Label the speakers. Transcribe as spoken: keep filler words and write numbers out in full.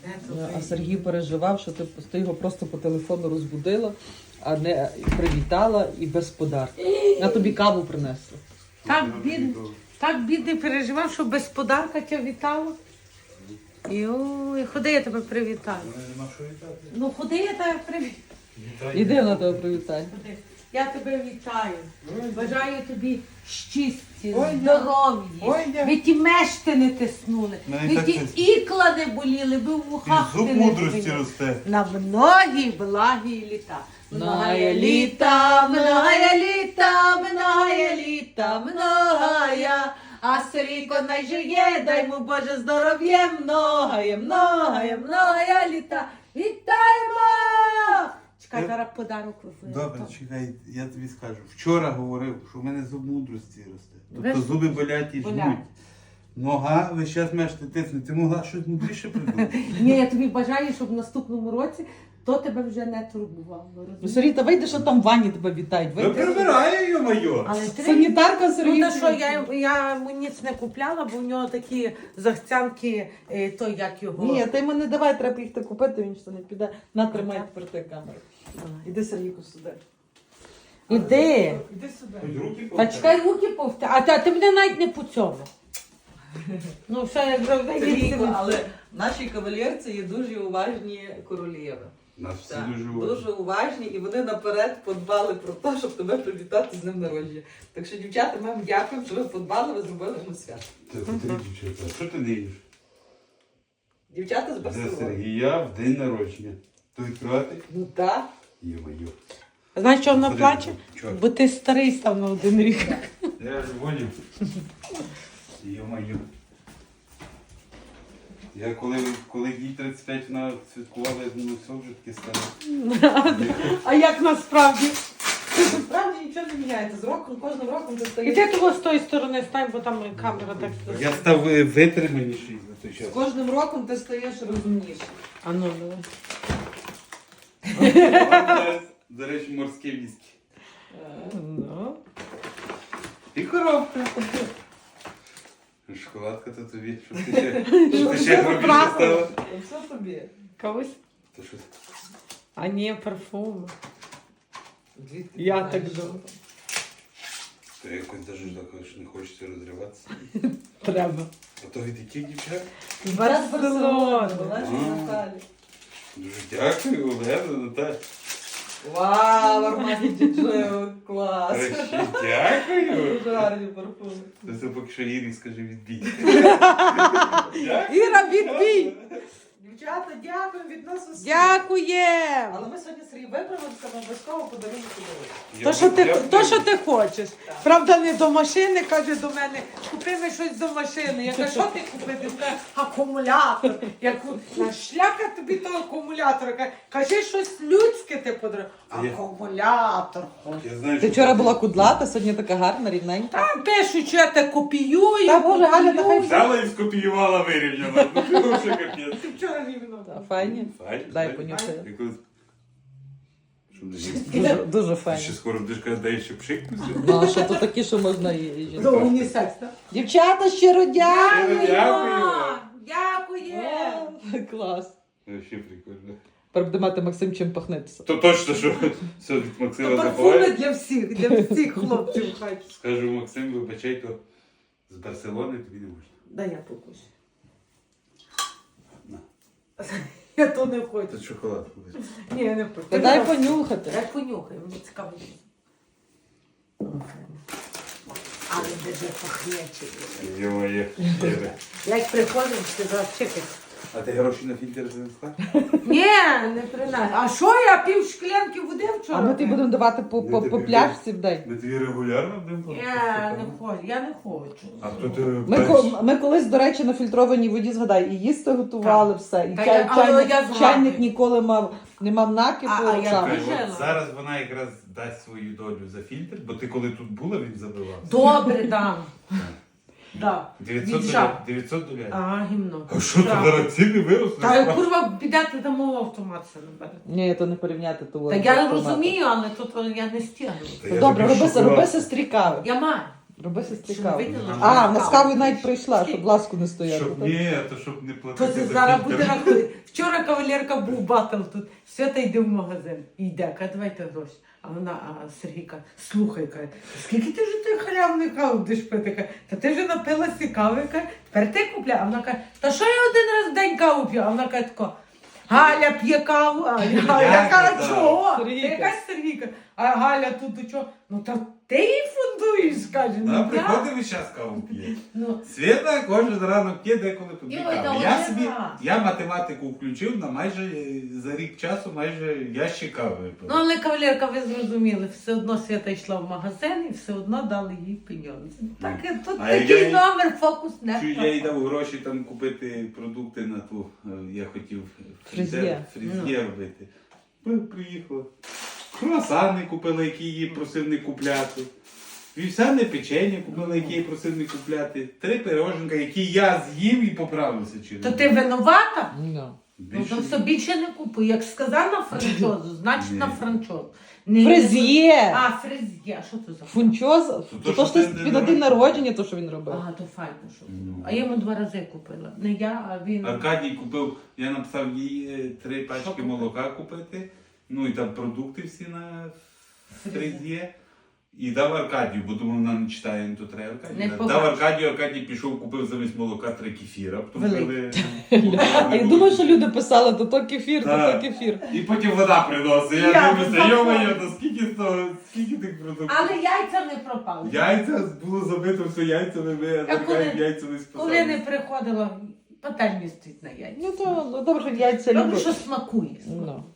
Speaker 1: А Сергій переживав, що ти, ти його просто по телефону розбудила, а не привітала і без подарку. Я тобі каву принесла.
Speaker 2: Так бідний, так бідний переживав, що без подарка тебе вітала. Йой, ходи, я тебе привітаю.
Speaker 3: Нема що вітати.
Speaker 2: Ну ходи, я тебе привітаю.
Speaker 1: Іди на тебе привітання.
Speaker 2: Ходи. Я тебе вітаю. Бажаю тобі щасті,
Speaker 3: Ой,
Speaker 2: здоров'я.
Speaker 3: Ой, я.
Speaker 2: Ви ті мешти не тиснули,
Speaker 3: Мене
Speaker 2: ви
Speaker 3: так
Speaker 2: ті
Speaker 3: це-
Speaker 2: ікла не боліли, ви в вухах
Speaker 3: Зуб
Speaker 2: ти не
Speaker 3: мудрості
Speaker 2: боліли.
Speaker 3: росте.
Speaker 2: На многі благі літа.
Speaker 1: Многая
Speaker 2: літа, многая літа, многая літа, многая. А Сергійко най жиє, дай му Боже здоров'я, многая, многая, многая літа. Вітаємо! Чекай,
Speaker 3: Я-
Speaker 2: зараз подарок визвали.
Speaker 3: Добре, чекай, я тобі скажу. Вчора говорив, що в мене зуб мудрості росте. Тобто
Speaker 2: Ви-
Speaker 3: зуби болять і
Speaker 2: Болять.
Speaker 3: жмуть. Нога весь час мешти тисне. Ти могла щось мудріше придумати?
Speaker 2: Ні, я тобі бажаю, щоб в наступному році то тебе вже не турбувало.
Speaker 1: Ну,
Speaker 2: розумієш?
Speaker 1: Сергій, та вийди, що там в ванні тебе вітають.
Speaker 3: Ви
Speaker 1: Вийди.
Speaker 3: прибирає, йо-моє!
Speaker 2: Але ти...
Speaker 1: Санітарка
Speaker 2: Ну,
Speaker 1: Сергій.
Speaker 2: та що, я, я йому ніц не купляла, бо в нього такі захцянки, е, то як його.
Speaker 1: Ні, ти йому не давай, треба їх купити, він що не піде. На, тримай тепер ти камеру.
Speaker 2: Давай.
Speaker 1: Іди, Сергійку, сюди.
Speaker 2: Іди.
Speaker 1: Іди сюди.
Speaker 3: Хоч руки
Speaker 2: Та
Speaker 3: повтягни.
Speaker 2: чекай, руки повтя. А ти, ти мене навіть не по цьому. Ну, все, як завжди.
Speaker 1: Сергійко, але в нашій кавалерці є дуже уважні королєви.
Speaker 3: Нас всі
Speaker 1: Так,
Speaker 3: дуже
Speaker 1: дуже
Speaker 3: уважні.
Speaker 1: уважні, і вони наперед подбали про те, щоб тебе привітати з днем народження. Так що, дівчата, ми вам дякуємо, що ви подбали, ви зробили йому свято.
Speaker 3: Це потрібно, дівчата. Що ти не їш?
Speaker 1: Дівчата з
Speaker 3: Для
Speaker 1: Барселони.
Speaker 3: Сергія в день народження. То відкривати?
Speaker 1: Ну так.
Speaker 3: Йо-моє.
Speaker 2: Знаєш, що вона
Speaker 3: Ходи,
Speaker 2: плаче?
Speaker 3: чого?
Speaker 2: Бо ти старий став на один рік.
Speaker 3: Я ж поняв. Йо-моє. Я коли, коли їй тридцять п'ять вона святкувала, я думаю, все вже таке стане.
Speaker 2: А як насправді?
Speaker 1: Насправді нічого не міняється. З роком, кожним роком ти
Speaker 2: І
Speaker 1: стаєш.
Speaker 2: ти того з тої сторони стань, бо там камера так.
Speaker 3: Я став е, витриманіший за той час.
Speaker 1: З кожним роком ти стаєш розумнішим.
Speaker 2: А ну, давай.
Speaker 3: Зараз, до речі, морське віскі.
Speaker 2: Ну.
Speaker 3: І коробка. Шоколадка то тобі, щоб ти ще, щоб ти ще грубіше стала.
Speaker 1: Та все тобі.
Speaker 2: Когось?
Speaker 3: То щось.
Speaker 2: А ні, парфуми.
Speaker 1: Звідки
Speaker 2: Я
Speaker 1: ти
Speaker 2: так
Speaker 1: знаєш,
Speaker 2: думаю.
Speaker 3: То якось навіть так, що не хочеться розриватися.
Speaker 2: Треба.
Speaker 3: А то від яких дівчат?
Speaker 2: З
Speaker 1: що? Зараз Барселона,
Speaker 2: Барселони.
Speaker 1: Олежі
Speaker 3: А.
Speaker 1: Наталі.
Speaker 3: Дуже дякую, Олена, Наталя.
Speaker 1: Вау, Армані Діджео, клас.
Speaker 3: Ще дякую.
Speaker 1: Дуже гарні парфуми.
Speaker 3: То це поки що Ірі скаже відбій.
Speaker 2: Іра, відбій!
Speaker 1: Дівчата, дякуємо від нас усіх.
Speaker 2: Дякуємо!
Speaker 1: Але ми сьогодні Сергій виправимося, ми обов'язково подарунок подарунок.
Speaker 2: То, що ти, то, що ти хочеш. Правда, не до машини, каже до мене, купи мені щось до машини. Я кажу, що ти купити? Він каже, акумулятор. Я кажу, «На шляка тобі того акумулятора. Каже, кажи щось людське ти подаруй.
Speaker 3: Я-
Speaker 2: Акумулятор.
Speaker 3: Я знаю,
Speaker 1: Ти
Speaker 3: що
Speaker 1: вчора була кудлата, сьогодні така гарна, рівненька.
Speaker 2: Там пишуть, що я те копіюю.
Speaker 1: Та, Боже, Галя, та хай
Speaker 2: копіюю.
Speaker 3: взяла і скопіювала вирівняла. Ну, що капець.
Speaker 2: Ти вчора рівно.
Speaker 1: Та, Файні.
Speaker 3: Файні,
Speaker 1: Дай
Speaker 3: файні.
Speaker 1: понюхаю.
Speaker 3: Я колись- Що не їсти?
Speaker 1: Дуже, дуже
Speaker 3: Ти
Speaker 1: файні.
Speaker 3: ще скоро будеш казати, дай ще пшикнуся.
Speaker 1: Ну, а що то такі, що можна і і жінка.
Speaker 2: До унісекс, так?
Speaker 1: Дівчата, щиро дякую!
Speaker 3: Дякую.
Speaker 2: Дякуємо.
Speaker 1: О, клас.
Speaker 3: Вообще прикольно.
Speaker 1: Тепер буде мати Максим чим пахнитися.
Speaker 3: То точно, що все від Максима
Speaker 2: Парфуми
Speaker 3: забуває.
Speaker 2: для всіх, для всіх хлопців в хаті.
Speaker 3: Скажу, Максим, вибачай, то з Барселони тобі не можна.
Speaker 2: Дай я покусю.
Speaker 3: На.
Speaker 2: Я то не хочу.
Speaker 3: Тут шоколадку візьми.
Speaker 2: Ні, я не хочу.
Speaker 1: Та дай понюхати.
Speaker 2: Дай понюхай, мені цікаво. Але де пахнечі.
Speaker 3: Йо-моє.
Speaker 2: Як приходимо, ти зараз чекай.
Speaker 3: А ти гроші на фільтр занесла?
Speaker 2: Ні, не принаймні. А що я пів шклянки води вчора?
Speaker 1: А ми тобі будемо давати по, по, по пляшці в день.
Speaker 3: Ми тобі регулярно будемо?
Speaker 2: Я не хочу, я не хочу.
Speaker 3: А то ти
Speaker 1: Ми,
Speaker 3: перш-
Speaker 1: ко- ми колись, до речі, на фільтрованій воді, згадай, і їсти готували все. І
Speaker 2: Та
Speaker 1: чай,
Speaker 2: я- але
Speaker 1: чайник,
Speaker 2: я згадую.
Speaker 1: чайник ніколи мав, не мав накипу.
Speaker 2: А- а я
Speaker 1: там.
Speaker 3: Чекай,
Speaker 2: Жена.
Speaker 3: от зараз вона якраз дасть свою долю за фільтр, бо ти коли тут була, він забивався.
Speaker 2: Добре, дам. Да.
Speaker 3: дев'ятсот
Speaker 2: Від
Speaker 3: долярів.
Speaker 2: жаб.
Speaker 3: дев'ятсот долярів.
Speaker 2: Ага, гімно.
Speaker 3: А що ти
Speaker 2: Так.
Speaker 3: зараз ціни виросли?
Speaker 2: Та курва, підете дамо автомат це не бере.
Speaker 1: Ні, то не порівняти того.
Speaker 2: Та я розумію, але тут я не стягну.
Speaker 3: Та
Speaker 1: Ну,
Speaker 3: я
Speaker 1: добре,
Speaker 3: тобі
Speaker 1: роби,
Speaker 3: шоколад.
Speaker 1: роби сестрі кави.
Speaker 2: Я маю.
Speaker 1: Роби сестрі
Speaker 2: Що,
Speaker 1: каву.
Speaker 2: виділа?
Speaker 1: А, вона з кавою навіть прийшла, щоб ласку не стояти.
Speaker 3: Щоб
Speaker 1: так?
Speaker 3: ні, то щоб не
Speaker 2: То
Speaker 3: платити
Speaker 2: це
Speaker 3: за
Speaker 2: зараз
Speaker 3: фільтр.
Speaker 2: буде рахувати. Вчора кавалерка був батл тут. Свята йде в магазин. І йде, каже, давайте гроші. А вона, а Сергійка, слухай, каже, скільки ти вже ти халявної кави будеш пити? Каже, та ти вже напилася кави, каже, тепер ти купляй. А вона каже, та що я один раз в день каву п'ю? А вона каже, тако, Галя п'є каву, а я, а я кажу,
Speaker 3: казав.
Speaker 2: чого? Ти
Speaker 1: Сергійка.
Speaker 2: якась Сергійка. А Галя тут до чого? Ну та ти її фундуєш, каже.
Speaker 3: Вона
Speaker 2: Ну, я...
Speaker 3: приходить весь час каву п'є.
Speaker 2: ну,
Speaker 3: Свята кожен ранок п'є, деколи по дві
Speaker 2: Ой,
Speaker 3: кави.
Speaker 2: та
Speaker 3: Я
Speaker 2: вона
Speaker 3: собі,
Speaker 2: знає.
Speaker 3: я математику включив на майже, е, за рік часу майже ящик кави випив.
Speaker 2: Ну, але кавалерка, ви зрозуміли, все одно Свята йшла в магазин і все одно дали їй пеньонзи. Так,
Speaker 3: Ну.
Speaker 2: тут
Speaker 3: А я
Speaker 2: такий
Speaker 3: їй-
Speaker 2: номер, фокус не
Speaker 3: Чую, я
Speaker 2: впав.
Speaker 3: їй дав гроші там купити продукти на ту, е, я хотів
Speaker 1: Фрезє.
Speaker 3: фрезє робити. Ми приїхали. Круасани купили, які її просив не купляти. Вівсяне печення купили, які я просив не купляти. Три пироженка, які я з'їв і поправився через.
Speaker 2: То ти винувата?
Speaker 1: Ну.
Speaker 2: Ну,
Speaker 3: Більше
Speaker 2: то
Speaker 3: ні.
Speaker 2: собі ще не купуй. Як сказав на франчозу, значить
Speaker 3: Ні.
Speaker 2: на франчозу. Не-
Speaker 1: Фрезє!
Speaker 2: А, фрезє, а що це за
Speaker 1: Фунчоз.
Speaker 3: то,
Speaker 1: То,
Speaker 3: що
Speaker 1: що ти
Speaker 3: ти
Speaker 1: тобі
Speaker 3: не
Speaker 1: на день
Speaker 3: робиш.
Speaker 1: народження, то що він робив.
Speaker 2: А, то файно, що.
Speaker 3: Ну.
Speaker 2: А я йому два рази купила. Не я, а він.
Speaker 3: Аркадій купив, я написав їй е, три
Speaker 2: Що
Speaker 3: пачки
Speaker 2: купив?
Speaker 3: молока купити, ну і там продукти всі на
Speaker 2: Фрезє.
Speaker 3: фрезє. І дав Аркадію, бо думав, вона не читає, ну то треба
Speaker 2: Не
Speaker 3: Аркадію. Дав
Speaker 2: побачиш.
Speaker 3: Аркадію, Аркадій пішов, купив замість молока три кефіра. Потім
Speaker 2: Великий.
Speaker 3: пили-
Speaker 1: А я думаю, що люди писали, то то кефір, то
Speaker 3: Так.
Speaker 1: то кефір.
Speaker 3: І потім вода приносить. Я
Speaker 2: Я
Speaker 3: дивлюся,
Speaker 2: забула.
Speaker 3: йо-моє, то скільки того, скільки тих продуктів.
Speaker 2: Але яйця не пропали.
Speaker 3: Яйця було забито все яйцями, ми
Speaker 2: Я
Speaker 3: Аркадій
Speaker 2: коли-
Speaker 3: яйця не
Speaker 2: Коли не
Speaker 3: списали.
Speaker 2: приходила, пательні стоїть на яйця.
Speaker 1: Ну то ну, добре, що яйця
Speaker 2: Добре,
Speaker 1: люблять.
Speaker 2: що смакує.
Speaker 1: Ну.